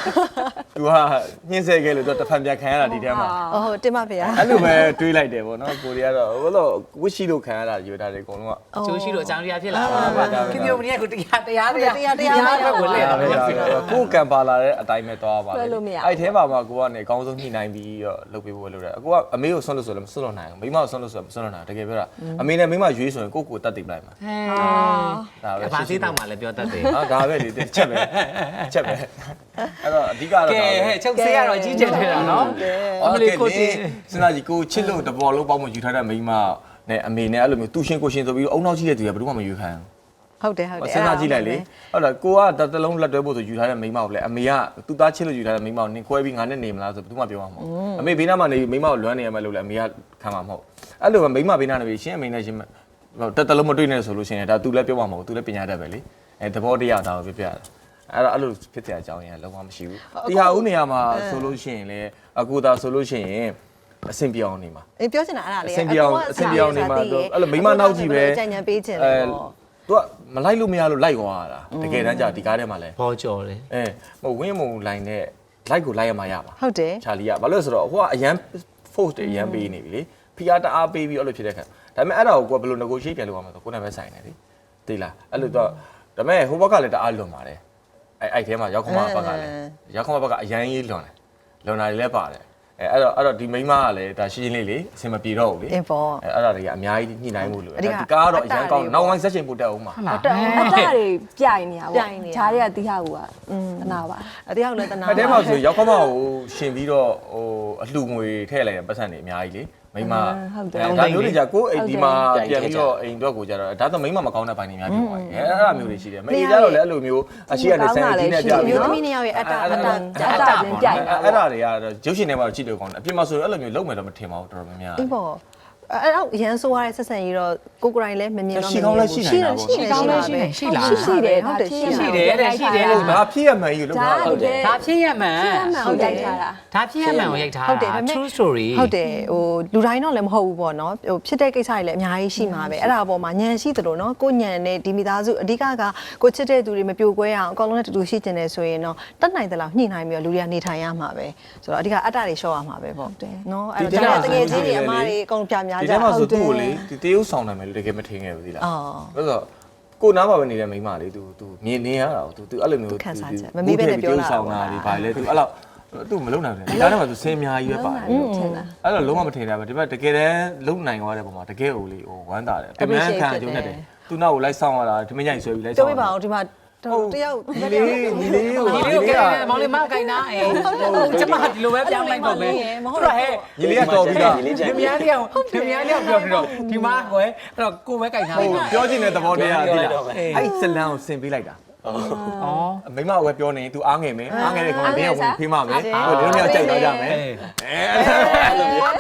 A: तू ကညှင်းဆဲခဲ့လို့ तू တဖန်ပြန်ခံရတာဒီထဲမှာ
B: ဟုတ်တင်ပါဗျာ
A: အဲ့လိုပဲတွေးလိုက်တယ်ပေါ့နော်ကိုရီးယားတော့ဘလို့ဝစ်ရှိလို့ခံရတာယူတာတွေအကုန်လုံးက
C: အကျိုးရှိလို့အကြောင်းတရားဖြစ်လာတာခင်ဗျမင်းကကိုတရားဘက်ကိုလဲ
A: ကိုကံပါလာတဲ့အတိုင်းပဲသွားပါလေအဲ့ထဲမှာမှကိုကနေအကောင်းဆုံးညှိနှိုင်းပြီးတော့လုပ်ပေးဖို့လုပ်တယ်အကိုကအမေကိုဆွန့်လို့ဆိုလည်းမဆွန့်လို့နိုင်ဘူးမိမကိုဆွန့်လို့ဆိုလည်းမဆွန့်လို့နိုင်တကယ်ပြောတာအမေနဲ့မိမရွေးဆိုရင်ကိုကိုတတ်သိပလိုက်မှာဒါပဲ
C: ဘာသေးတောက်မှလည်းပြောတတ်တယ်
A: ဟာဒါပဲလေချက်ပဲအဲ့တော့အဓိကတော့
C: ကဲဟဲ့ချုပ်ဆေးရတော့ကြီးကျယ်ထတာနော်
A: အမလေးကိုစဉ်းစားကြည့်ကိုချစ်လို့တဘောလုံးပေါင်းမယူထားတဲ့မိမနဲ့အမေနဲ့အဲ့လိုမျိုးသူရှင်ကိုရှင်ဆိုပြီးအုံနောက်ကြီးတဲ့သူကဘယ်သူမှမယူခံဘူး
B: ဟုတ်တယ်ဟုတ်တယ်
A: စဉ်းစားကြည့်လိုက်လေဟုတ်လားကိုကတလုံးလက်တွဲဖို့ဆိုယူထားတဲ့မိန်းမကိုလေအမေကသူ့သားချစ်လို့ယူထားတဲ့မိန်းမကိုနင်ခွဲပြီးငါနဲ့နေမလားဆိုဘယ်သူမှပြောမှာမဟုတ်အမေဘေးနားမှာနေမိန်းမကိုလွမ်းနေရမယ်လို့လေအမေကခံမှာမဟုတ်အဲ့လိုပဲမိန်းမဘေးနားနေပြီးရှင်းအမေနဲ့ရှင်းတလုံးမတွေ့နဲ့ဆိုလို့ရှိရင်ဒါသူလည်းပြောမှာမဟုတ်သူလည်းပညာတတ်ပဲလေအဲသဘောတရားဒါကိုပြပြတာအဲ့လိုဖြစ်တဲ့အကြောင်းရင်းလုံးဝမရှိဘူးဒီဟာဦးနေရာမှာဆိုလို့ရှိရင်လေအကူသာဆိုလို့ရှိရင်အဆင်ပြေအောင်နေမှာ
B: အေးပြောချင်တာအဲ့ဒါလေး
A: အဆင်ပြေအောင်နေမှာအဲ့လိုမိန်းမနောက်ကြည့်ပဲ
B: ကြံ့ကြံ့ပေးချင်တယ်ပေါ့
A: သူကမလိုက်လို့မရလို့လိုက်သွားတာတကယ်တမ်းကျဒီကားထဲမှာလဲ
C: ဘောကြော်တယ်
A: ဟိုဝင်းမုံလိုင်းနဲ့ like ကိုလိုက်ရမှာရပါ
B: ဟုတ်တယ်
A: ချာလီကဘာလို့လဲဆိုတော့ဟိုကအရန် force တွေအရန်ပေးနေပြီလေဖီအားတအားပေးပြီးအဲ့လိုဖြစ်တဲ့ခါဒါပေမဲ့အဲ့ဒါကိုကိုကဘယ်လို negotiate ပြန်လုပ်ရမှာဆိုကိုယ်နဲ့ပဲဆိုင်နေလေသိလားအဲ့လိုတော့ဒါပေမဲ့ဟိုဘက်ကလည်းတအားလွန်ပါတယ်အဲ့ထဲမှာရောက်ခမဘက်ကလည်းရောက်ခမဘက်ကအရန်ကြီးလွန်တာတွေလည်းပါတယ်အဲ့တော့ဒီမိန်းမကလည်းဒါရှင်းရှင်းလေးလေအဆင်မပြေတော့ဘူးလေအဲ့ဒါတွေကအများကြီးညှိနှိုင်းမှုလို့ဒီကားကတော့အရန်ကောင်းနောက်ပိုင်းဆက်ရှင်ပို့တက်အောင်ပါ
F: အတတွေပြိုင်နေတာပေါ့ဂျားတွေကတီးဟာကူကတနာပါ
B: အတယောက်လည်းတနာ
A: အဲ့ထဲမှာဆိုရောက်ခမကိုရှင်ပြီးတော့ဟိုအလှငွေထည့်လိုက်တဲ့ပတ်စံတွေအများကြီးလေမိန်းမဒါမျိုးတွေじゃကိုအိမ်ဒီမှာပြန်ပြီးတော့အိမ်တော့ကိုကြတော့ဒါတော့မိန်းမမကောင်းတဲ့ပိုင်းတွေများပြောပါရဲ့အဲ့ဒါမျိုးတွေရှိတယ်မိန်းကြတော့လည်းအဲ့လိုမျိုးအရှိကနေဆန်ကြီးနဲ့ပြပြီး
B: မျိုး
A: တော့
B: သမီးနှစ်ယောက်ရဲ့အတချင်းပြိုင်
A: အဲ့ဒါတွေကတော့ရုပ်ရှင်ထဲမှာကြည့်လို့ကောင်းတယ်အပြင်မှာဆိုအဲ့လိုမျိုးလုံးမယ်တော့မထင်ပါဘူးတော်တော်များများ
B: အေးပေါ့အဲ့တော့ရန်ဆိုရတဲ့ဆက်ဆံရေးတော့ကိုကိုရိုင်းလည်းမမြင်တော့
A: ရှိကောင်းလည်းရှိနိုင်တာပေါ့
C: ရှိကောင်းလည်းရှိတယ်ရှိလား
F: ရှိတယ်ဟုတ်တယ်ရှိတယ်
A: ဒါဖြစ်ရမှန်ကြီးလို့ပြောတာဟုတ်တယ်
C: ဒါဖြစ်ရမှန်
F: ဟုတ်တယ်ထားတာ
C: ဒါဖြစ်ရမှန်ကိုရိုက်ထား
B: ဟုတ်တယ်
C: တာ
B: ဒါပေမဲ့
C: true story
B: ဟုတ်တယ်ဟိုလူတိုင်းတော့လည်းမဟုတ်ဘူးပေါ့နော်ဟိုဖြစ်တဲ့ကိစ္စတွေလည်းအများကြီးရှိမှာပဲအဲ့ဒါအပေါ်မှာညံရှိသလိုနော်ကိုညံနဲ့ဒီမိသားစုအဓိကကကိုချစ်တဲ့သူတွေမပြိုကွဲအောင်အကောင်လုံးနဲ့တူတူရှိကျင်တယ်ဆိုရင်တော့တတ်နိုင်တဲ့လောက်ညှိနှိုင်းပြီးတော့လူတွေကနေထိုင်ရမှာပဲဆိုတော့အဓိကအတ္တတွေရှော့ရမှာပဲပေါ့နော်အဲ့တော့တကယ်ချင်းတွေအမားတွေအကုန်ပြများကြ
A: ဒီထဲမှာဆိုသူ့ကိုလေဒီတေးဥဆောင်နိုင်မယ်လို့တကယ်မထင်ခဲ့ဘူးသီလားဆိုတော့ကိုနားမှာပဲနေတဲ့မိန်းမလေး तू မြင်နေရတာ तू အဲ့လိုမျိုး
B: မမေးပဲနဲ့ပြောတာ
A: ဆောင်တာဒီဘာလဲ तू အဲ့လောက် तू မလုံနိုင်ဘူးဒီကားထဲမှာ तू ဆင်းအများကြီးပဲပါတယ်အဲ့တော့လုံးဝမထင်တာပဲဒီဘက်တကယ်တမ်းလုံနိုင်သွားတဲ့ပုံမှာတကယ်ဟိုလေဟိုဝမ်းသာတယ်ပြန်မှန်းခံကြုံနေတယ် तू နောက်ကိုလိုက်ဆောင်ရတာဒီမညိုင်ဆွဲပြီးလိုက်ဆောင်
B: ပြောပြပါအောင်ဒီမှာတယောက်
A: ညီလေးကို
C: ဒီလေးကိုမောင်လေးမကိုင်နာအေးကျမဒီလိုပဲပြောင်းလိုက်တော့မယ်သူကဟဲ့
A: ညီလေးကတော်ပြီးသား
C: ဒီများလေးအောင်ပြောပြီးတော့ဒီမှာကွယ်အဲ့တော့ကိုပဲကိုင်ထားလိုက်
A: ပြောချင်တဲ့သဘောတရားသိလားအဲ့ဇလန်ကိုဆင်ပေးလိုက်တာ
C: ဩ
A: မိမဝယ်ပြောနေ तू အားငယ်မယ်အားငယ်တဲ့ကောင်ကဘင်းဝင်ဖေးမမယ်ဟိုဒီလိုမျိုးကြိုက်သွားကြမယ်အဲ့လိုမျိုး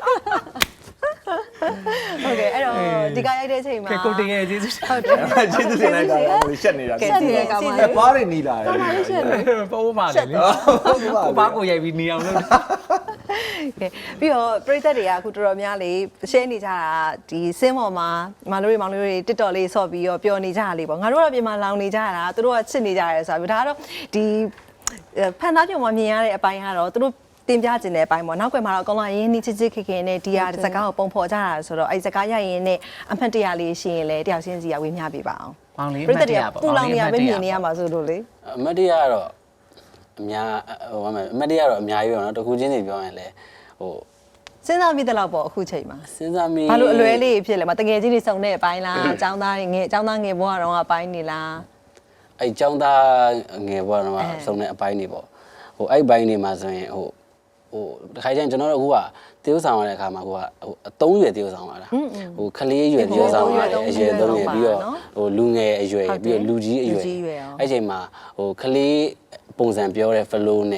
B: ဟုတ်ကဲ့အဲ့တော့ဒီကရိုက်တဲ့အချိန်မှာ
C: ကိုတင်ရဲ့ကျေးဇူး
B: ဟုတ်တယ်
A: ကျေးဇူးတင်လိုက်တာကိုရှက်နေတာပါးနေနီးလာတယ်
C: ပိုးပါလေကိုပါကိုရိုက်ပြီးနေအောင်လုပ်
B: ကဲပြီးတော့ပရိသတ်တွေကအခုတော်တော်များလေး share နေကြတာဒီစင်းပေါ်မှာမောင်လေးတွေ TikTok လေးဆော့ပြီးတော့ပျော်နေကြတာလေးပေါ့ငါတို့ကပြင်မှာလောင်နေကြတာသူတို့ကချစ်နေကြတယ်ဆိုတာဒါကတော့ဒီဖန်သားပြုံမှာမြင်ရတဲ့အပိုင်းကတော့သူတို့တင်ပြခြင်းတဲ့အပိုင်းပေါ့နောက်ကွယ်မှာတော့အကောင်လုံးရင်းနှီးချစ်ချစ်ခင်ခင်နဲ့ဒီဟာစကားကိုပုံဖော်ကြတာဆိုတော့အဲ့စကားရရင်နဲ့အမှတ်တရလေးရှိရင်လည်းတယောက်ချင်းစီကဝေမျှပေးပါအောင်
C: မောင်လေး
B: ပရိသတ်တွေကပူလောင်နေရပဲမြင်နေရမှာဆိုလို့လေ
D: အမတ်တရားကတော့အများဟိုအမတ်တရားတော့အများကြီးပဲเนาะတခုချင်းစီပြောရင်လည်းဟို
B: စဉ်းစားမိတဲ့လောက်ပေါ့အခုချိန်မှာ
D: စဉ်းစားမိ
B: ဘာလို့အလွဲလေးဖြစ်လဲမတကယ်ကြီးတွေစုံတဲ့အပိုင်းလားအကြောင်းသားငယ်အကြောင်းသားငယ်ဘဝတော့အပိုင်းနေလား
D: အဲ့ចောင်းသားငယ်ဘွားတော့စုံတဲ့အပိုင်းတွေပေါ့ဟိုအဲ့ဘိုင်းတွေမှာဆိုရင်ဟိုတခါကျရင်ကျွန်တော်တို့အခုကတေးဥဆောင်ရတဲ့အခါမှာကိုကဟိုအသုံးရွယ်တေးဥဆောင်ရတာဟိုခလေးရွယ်တေးဥဆောင်ရတယ်အရွယ်သုံးရွယ်ပြီးတော့ဟိုလူငယ်အရွယ်ပြီးတော့လူကြီးအရွယ်အဲ့ချိန်မှာဟိုခလေးပုံစံပြောတဲ့ flow နဲ့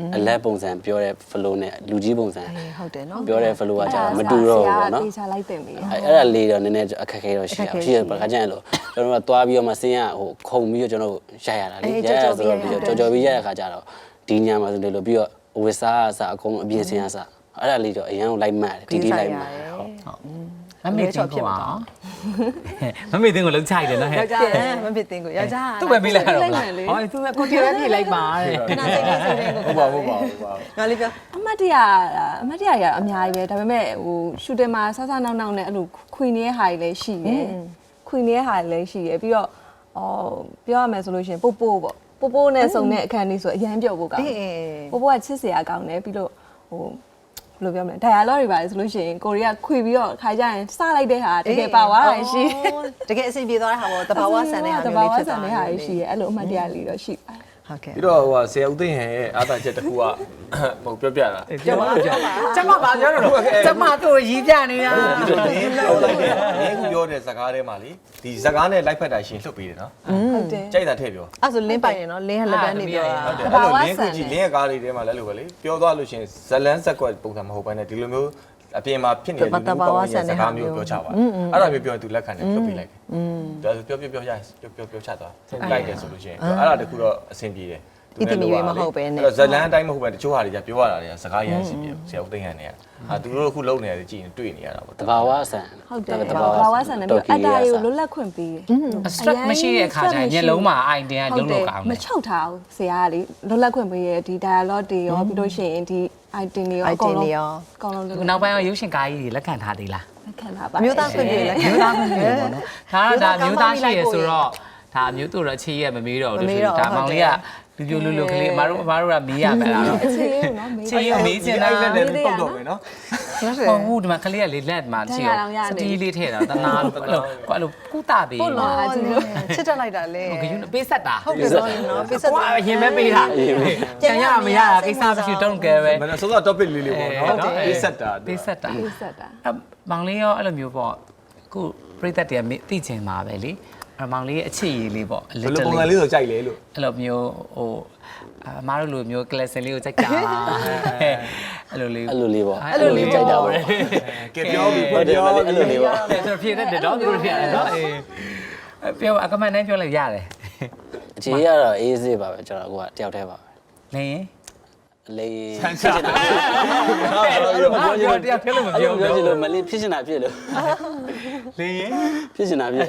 D: အလက်ပုံစံပြောတဲ့ flow နဲ့လူကြီးပုံစံ
B: ဟုတ်တယ်နော်
D: ပြောတဲ့ flow ကကြာမတူတော့ဘူးပေါ့နော်
F: တေချာလိုက်တင်ပြီ
D: အဲ့ဒါလေးတော့နည်းနည်းအခက်ခဲတော့ရှိရပါခါကျရင်လို့ကျွန်တော်တို့သွားပြီးတော့မှဆင်းရဟိုခုံပြီးတော့ကျွန်တော်ရိုက်ရတာလေရိုက်ရဆိုတော့ကြော်ပြီးရိုက်ရခါကျတော့ဒီညမှာဆိုလို့ပြီးတော့ဝစ်စားအစားအကုန်အပြင်ဆင်းရစားအဲ့ဒါလေးတော့အရန်ကိုလိုက်မှတ်တယ်တီတီလိုက်မှတ်ဟုတ်
C: မမေတင်ကိုပါမမေတင်ကိုလုံးချိုက်တယ်နော်ဟဲ့
B: ယောက်ျားမဖြစ်တင်ကိုယောက်ျား
C: သူ့ပဲပြီးလိုက်ရတော့လားဟောသူကကိုတီပဲပြေးလိုက်ပါတဲ့
B: ခဏစိတ်လေးစိတ်လေးကို
A: ဟုတ်ပါငါလေးပြော
F: အမတ်တရရအများကြီးပဲဒါပေမဲ့ဟိုရှူတင်မှာဆဆနောက်နောက်နဲ့အဲ့လိုခွေနေတဲ့ဟာတွေလည်းရှိတယ်ခွေနေတဲ့ဟာတွေလည်းရှိတယ်ပြီးတော့ပြောရမယ်ဆိုလို့ရှိရင်ပို့ပို့ပေါ့ပို့နဲ့စုံတဲ့အခန်းလေးဆိုအရန်ပြော့ဖို့ကောင်းတယ်ပို့ကချစ်စရာကောင်းတယ်ပြီးတော့ဟိုဘယ်လိုပြောမလဲ dialogue တွေပါလေဆိုလို့ရှိရင်ကိုရီးယားခွေပြီးတော့ခါကြရင်စလိုက်တဲ့ဟာတကယ်ပါသွားတာရှိ
B: တကယ်အဆင်ပြေသွားတဲ့ဟာပေါ့တဘာဝဆန်တဲ့ဟာ
F: တ
B: မျိုး
F: ဘာ
B: လေး
F: ဝ
B: ဖြစ်
F: ဆန်
B: သွား
F: တဲ့ဟာတွေရှိရဲအဲ့လိုအမှတ်တရလေးတော့ရှိပါတယ်
B: ဟုတ်ကဲ့
A: ပြီးတော့ဟိုဆရာဦးသိန်းဟန်ရဲ့အားသာချက်တစ်ခုကဟိုပြောပြတာ
C: ပြောပါကျမပါပြောတော့ကျမတို့ရီးပြနေတာ
A: ဒီလိုလေးပြောလိုက်တယ်။ဒီခုပြောတဲ့ဇကားထဲမှာလေဒီဇကားနဲ့လိုက်ဖက်တာရှင်လှုပ်ပေးတယ်နော်
F: ဟုတ်တယ်
A: ။ကြိုက်တာထည့်ပြော
B: အဲ့ဆိုလင်းပိုင်နေနော်လင်းကလက်တန်းနေပြောတာ
A: ။ဟုတ်တယ်။အဲ့လိုလင်းခုကြီးလင်းရဲ့ကားလေးထဲမှာလည်းလို့ပဲလေပြောသွားလို့ရှင်ဇလန်းဇက်ကွက်ပုံစံမဟုတ်ဘဲနဲ့ဒီလိုမျိုးအပြင်မှာဖြစ်နေတဲ့လူမျိုးကောင်းတဲ့ဇကားမျိုးပြောချပါအဲ့ဒါမျိုးပြောရင်သူလက်ခံတယ်လှုပ်ပေးလိုက်တယ်။ဒါပြောရပြောချသွားလိုက်တယ်ဆိုလို့ရှင်အဲ့ဒါတခုတော့အဆင်ပြေတယ်ဇလန်းအတိုင်းမဟုတ်ပဲတချို့ဟာတွေကပြောရတာတွေကစကားရမ်းစီပြေဆရာဦးသိန်းဟန်တွေကသူတို့အခုလုံနေရတယ်ကြည့်ရင်တွေ့နေရတာပေါ့
D: တဘာဝဆန်
F: ဟုတ်တယ်တဘာဝဆန်တယ်ပြီးအတားကိုလွတ်လပ်ခွင့်ပေးတယ်
C: stress မရှိတဲ့အခါကျရင်မျက်လုံးမှာအိုင်တင်ကလုံးလုံးကောင်း
F: မ
C: တယ်
F: ချုပ်ထားဘူးဆရာကလေလွတ်လပ်ခွင့်ပေးရဒီ dialogue တွေရောပြီးလို့ရှိရင်ဒီ item တွေရောအကုန်လုံးအကုန်လုံး
C: ခုနောက်ပိုင်းရုပ်ရှင်ကားကြီးတွေလက်ခံထားသေးလား
F: လက်ခံတာပါ
B: အမျိုးသားခွင့်ပြုလက်ခံ
C: မျိုးသားမျိုးပေါ့နော်ဒါမျိုးသားရှိရဆိုတော့ဒါမျိုးတို့တော့ချေးရမမေးတော့ဘူးဒါမောင်လေးကလူပြိုလူကလေးအမတို့ကမေးရမယ်လား
F: အခြေလေးနော်မေး
C: ချေးရမေးချင်တာ
A: အဲ့လက်နဲ့ပုတ်တော့မယ်နော်
C: ဟုတ်ဘူးဒီမှာကလေးကလေလက်မှာချေးရစတီးလေးထည့်တာတနာလို့အဲ့လိုကုတာပေး
F: ပို့လာအချင်းလို့
B: ချစ်တက်လိုက်တာလေ
C: ဂယုပေးဆက်တာ
B: ဟုတ်တယ်ဆိုရင်နော်ပေးဆက်
C: ကွာရင်မဲပေးတာပြန်ရမရတာကိစ္စမရှိတော့ကဲပဲ
A: မနစောစော topic လေးလေးပေါ့နော်ပေးဆက်တာ
C: ပေးဆက်တာ
F: ပေးဆက်တာ
C: မောင်လေးရောအဲ့လိုမျိုးပေါ့ခုပြိသက်တွေကသိချင်ပါပဲလေမောင်လေးရဲ့အခြေရည်လေးပေါ့
A: ဘယ်လိုပုံစံလေးဆိုကြိုက်လဲလို့
C: အဲ့လိုမျိုးဟိုအမားတို့လိုမျိုး class လေးကိုကြိုက်တာအဲ့လိုလေး
D: အဲ့လိုလေးပေါ့
C: အဲ့လိုလေးကြိုက်တာပဲ
A: ကဲပြောပြီး
D: ဟုတ်တယ်
A: ပြော
D: အဲ့လိုလေးပေါ့
C: ကျွန်တော်ဖြေတတ်တယ်တော့သူတို့ဖြေရတယ်နော်အေးပြောအကမန်နဲ့ပြောလိုက်ရတယ်
D: အခြေကတော့အေးစေးပါပဲကျွန်တော်ကတယောက်တည်းပါပဲ
C: လင်း
D: လေး
C: ဆန်းစားအဲ့လိုပြောတရားဖြေလို့မပြော
D: ပြောချင်
C: ဘူး
D: လို့မလေးဖြစ်ချင်တာဖြစ်လို့
C: လင်း
D: ဖြစ်ချင်တာဖြစ်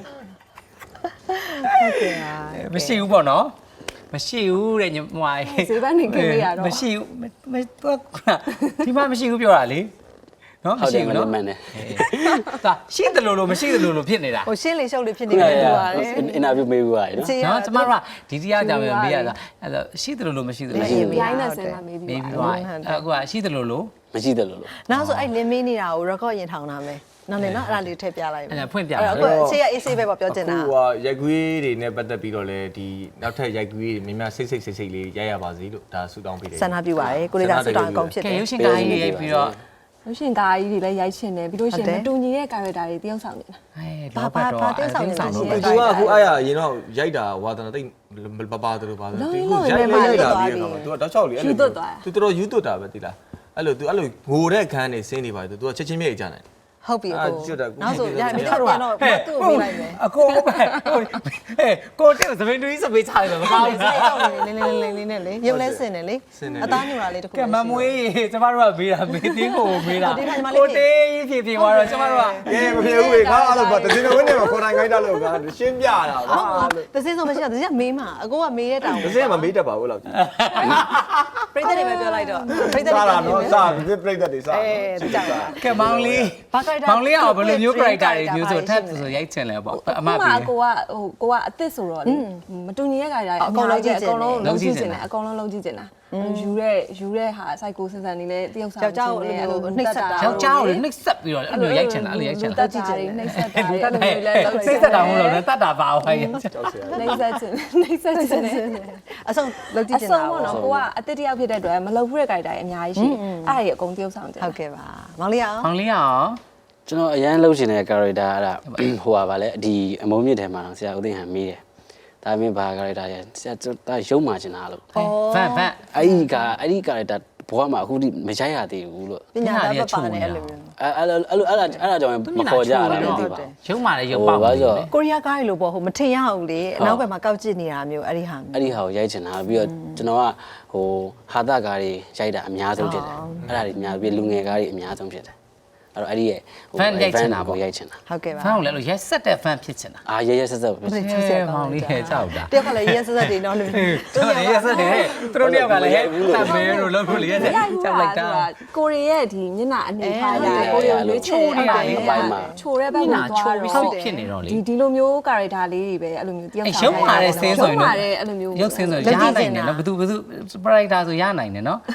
C: မရှိဘူးပေါ့နော်မရှိဘူးတဲ့ညီမလေး
F: ဈေးဘက်နေခင်လေးရတော့
C: မရှိဘူးဒီမှာမရှိဘူးပြောတာလေနော်
D: ဟုတ်
C: မရှိ
D: တယ်မ
C: ဘူး
D: လေး
C: နော်
D: မှန်တယ်
C: ဒါရှိတယ်လို့မရှိတယ်လို့ဖြစ်နေတာ
B: ဟိုရှင်းလေရှုပ်လေဖြစ်နေတယ်တူပါတယ်
D: အင်တာဗျူးမေးဘူးရတယ်နော်
C: နော်ကျမတို့ကဒီတရားကြောင့်ပဲမေးရတာအဲ့တော့ရှိတယ်လို့မရှိတယ်လို့
F: ရိုင်းနဲ့ဆင်လာမေးပြီး
C: မေးပြီးသွားအခုကရှိတယ်လို့
D: မရှိတယ်လို့
B: နောက်ဆိုအဲ့လင်းမင်းနေတာကို record ရင်ထောင်တာမယ်နော်လေနော်အဲ့ဒါလေးထည့်ပြလိုက်မယ်
C: အဲ့ဒါဖွင့်ပြ
B: အဲ့
C: ပါ
B: တော့အခုအခြေရအေးဆေးပဲပေါ့ပြောချင်တာ
A: ဟိုကရိုက်ကွေးတွေနဲ့ပတ်သက်ပြီးတော့လေဒီနောက်ထပ်ရိုက်ကွေးတွေများများစိတ်လေးရိုက်ရပါစေလို့ဒါဆုတောင်းပေးတယ်
B: ဆန္ဒပြုပါရယ်ကိုလေးသာဆူတောင်းအကုန်ဖြစ်
C: ကဲ
B: တယ်
C: ရုပ်ရှင်ကားကြီးရိုက်ပြီးတော့
F: လို့ရှင်ကားကြီးတွေလည်းရိုက်ချင်တယ်ပြီးလို့ရှင်မတူညီတဲ့ character တွေတယောက်ဆောင်နေတာ
C: အဲလောဘတော့
A: သူကအခုအားရရင်တော့ရိုက်တာဝါသနာတိတ်ပပတို့ပါဆိုသူရိုက်လာပြီးတော့သူကတောက်ချောက်လေးအဲ့လိုသူတော်တော်ယူသွတ်တာပဲတိလားအဲ့လိုသူအဲ့လိုငိုတဲ့ခန်းနေစင်းနေပါသူကချက်ချင်းမြေ့ကြတယ်
B: ဟုတ်ပြီအခု
A: ကျွတ်တာ
B: နောက်ဆိုရမင်းတို့ပြန်တော့သူ့ကိုပေးလိုက်မယ်
C: အကိုပဲဟဲ့ကိုတဲ့သမင်တူကြီးစပေးချတယ်မကောင်းဘူး
B: စိတ်တော့နေလေးနဲ့လေရုပ်လဲစင်တယ်လေအသားညူတာလေးတခု
C: ကဲမမွေးကျမတို့ကမေးတာမေးသေးကိုမေးတာကိုတေးကြီးဖြေသွားတော့ကျမတို့က
A: ကဲမဖြစ်ဘူးလေခါအဲ့လိုပါတစင်းဝင်းနေမှာခေါ်တိုင်းခိုင်းတာလို့ကရှင်းပြတာပါ
B: တစင်းဆိုမရှိတာတစင်းကမေးမှာအကိုကမေးရတောင်
A: တစင်းကမမေးတတ်ပါဘူးလောက်ကြီး
B: ပြိတ္တတွေပဲပြောလိုက်တော့ပြိတ္တ
A: စား
B: တွေ
A: တာနော်စားပြီးပြိတ္တတွေစား
B: အေးကြောက်တာ
C: ကဲမောင်လေး
B: ဘာကြိုက်တာ
C: မောင်လေးကဘယ်လိုမျိုး character တွေမျိုးဆိုထပ်ဆိုရိုက်ချင်လဲပေါ့အမ
F: အ
C: ပြေ
F: ကိုကအစ်စ်ဆိုတော့လေမတူညီတဲ့ character တွေအကုန်လုံးကြည့်တယ်အကုန်လုံးလုံးကြည့်တယ်အကုန်လုံးလုံးကြည့်တယ်ယူတဲ့ဟာ psycho စင်စံနေလဲတယောက်ဆောင်
B: ယောက်ျားကိုအဲ့လိုနှိပ်စက်တာ
C: ယောက်ျားကိုနှိပ်စက်ပြီးတော့အဲ့လိုရိုက်ချင်တာအဲ့လိုရိုက်ချင်
F: တ
C: တာ
F: တ်ကြည့်တယ်နှိပ်စက်တာ
C: တ
F: အဲ့
C: တ်
F: လို
C: တယ်
F: မျိုးလဲလုံး
C: နှိပ်စက်တာမဟုတ်လို့တတ်တာပါဟိုင်း
A: ကြောက်စရာ
F: နှိပ်စက်ခြင်းနှိပ်စက်ခြင်း
B: အဆုံးလုပ်ကြည့်
F: အ
B: ချင်
F: ဆုံး
B: တာ
F: ပေါ့နော်ကိုကအတစ်တယောက်ဖြစ်တဲ့အတွက်မလုပ်ဘူးတဲ့ character တွေအများကြီးရှိအဲ့ဒါတွေအကုန်တယောက်ဆောင်တယ်
B: ဟုတ်ကဲ့ပါမောင်လေးအောင်
C: မောင်လေးရော
D: ကျွန်တော်အရန်လှုပ်ရှင်တဲ့ character အဲ့ဒါဟိုပါဗာလဲဒီအမုံမြင့်ထဲမှာတော့ဆရာဦးသိန်းဟန်မေးတယ်ဒါဒါမင်းဘာကာရက်တာရဲ့ဒါရုံမာချင်တာလို့
C: ဖန်
D: အဲ့ဒီကာရက်တာဘဝမှာအခုထိမရိုက်ရသေးဘူးလို့
B: ပညာသားပပါနဲ့အဲ့လိုမျိုး
D: အဲ့ကြောင့်မခေါ်ကြရတာလည်းသိပါ
C: ရုံမာလည်းရုံပေါက်
D: ဘာလို့
B: ကိုရီးယားကားတွေလို့ပေါ့ဟိုမထင်ရဘူးလေအနောက်ဘက်မှာကောက်ကျစ်နေတာမျိုးအဲ့ဒီဟာ
D: အဲ့ဒီဟာကိုရိုက်ချင်တာပြီးတော့ကျွန်တော်ကဟိုဟာတာကားတွေရိုက်တာအများဆုံးဖြစ်တယ်အဲ့ဒါတွေအများပြီးလူငယ်ကားတွေအများဆုံးဖြစ်တယ်အဲ့တော့အဲ့ဒီရဲ့ရိုက်ချင်တာ
B: ဟုတ်ကဲ့ပါ
C: ဖန်ကိုလည်းလို့ရက်ဆက်တဲ့ဖန်ဖြစ်ချင်တာ
D: အာရဲဆက်ဆက်ပဲ
C: မောင်လေးရဲ့ကြောက်တာ
B: တယောက်ကလည်းရက်ဆက်ဆက်တွေနော်လို့
C: သူတို့ရက်ဆက်တယ်သူတို့တယောက်ကလည်းတမဲလို့လုပ်လို့လေရက်ဆက်ကြောက်လိုက်တာ
F: ကိုရီးရဲ့ဒီမျက်နှာအနေထားရကိုရီးရွေးချယ်နေတာလေးချိုတဲ့ဘက်မှာ
C: ချို
F: သွား
C: ပြီး
F: တော့
C: ဖြစ်နေတော့လေ
F: ဒီလိုမျိုး character လေးတွေပဲအဲ့လိုမျိုးတယောက်
C: ရုံမာတဲ့ဆင်းဆိုရင်
F: အဲ့လိုမျိုး
C: ရုပ်ဆင်းဆိုရနိုင်တယ်နော်ဘသူ sprider ဆိုရနိုင်တယ်နော်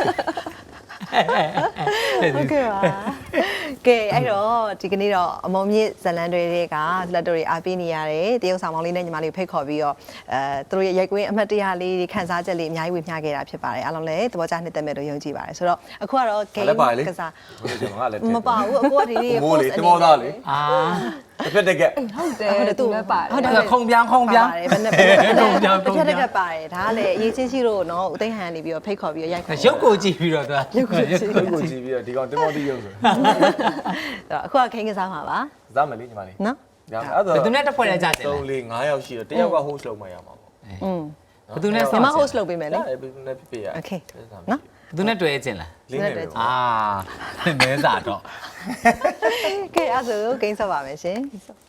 B: ဟုတ်ကဲ့ပါကဲအဲ့တော့ဒီကနေ့တော့အမုံမြင့်ဇလန်တွေကလက်တို့တွေအားပေးနေရတယ်တရုတ်ဆောင်မောင်လေးနဲ့ညီမလေးကိုဖိတ်ခေါ်ပြီးတော့သူတို့ရဲ့ရိုက်ကွင်းအမှတ်တရလေးတွေခန်းစားချက်လေးအများကြီးဝေမျှခဲ့တာဖြစ်ပါတယ်အားလုံးလည်းသဘောကျနှစ်သက်မဲ့လို့ယုံကြည်ပါတယ်ဆိုတော့အခုကတော့ game ကစား
A: ကျွန်တော်ကလည်း
B: မပါဘူးအခုကဒီနေ့
A: မိုးလေတမောသားလေ
C: အာ
A: တစ်ဖက်တက်ကက်
F: ဟုတ်တယ်သူလည်းပါတယ်
C: ဟုတ်တယ်ခုံပြောင်း
B: ပါတယ်ဘယ်နဲ့
C: ခုံပြောင်း
B: တစ်ဖက်ကပါတယ်ဒါကလည်းအရေးချင်းရှိလို့နော်ဦးသိန်းဟန်နေပြီးတော့ဖိတ်ခေါ်ပြီးတော့ရိုက်ခေါ်
C: ရုပ်ကိုကြည့်ပြီးတော့သူက
B: ရုပ်ကိုကြည့်
A: ကိုကိုကြည့်ပြီးတော့ဒီကောင်တမောတီးရုပ်ဆို
B: အခုကခိန်းကစားမှာပါ
A: စားမယ်လေညီမလေး
B: နော်
A: ညအဲ့တော့
C: ဘယ်သူနဲ့တစ်ဖွဲ့နဲ့ကြာတယ်လဲ
A: 3 4 5ယောက်ရှိတော့တယောက်က host လုပ်မှရမှာပေါ့
C: ဘယ်သူနဲ့
B: ညီမ host လုပ်ပေးမယ်လေ
A: အဲ့ဘယ်သူနဲ့ပြပြရ
B: Okay နော်
C: ဘယ်သူနဲ့တွေ့ခြင်းလား
A: လင်းနေတယ်
C: အာမဲစားတော့
B: ကဲအဲ့ဒါဆိုဂိမ်းဆက်ပါမယ်ရှင်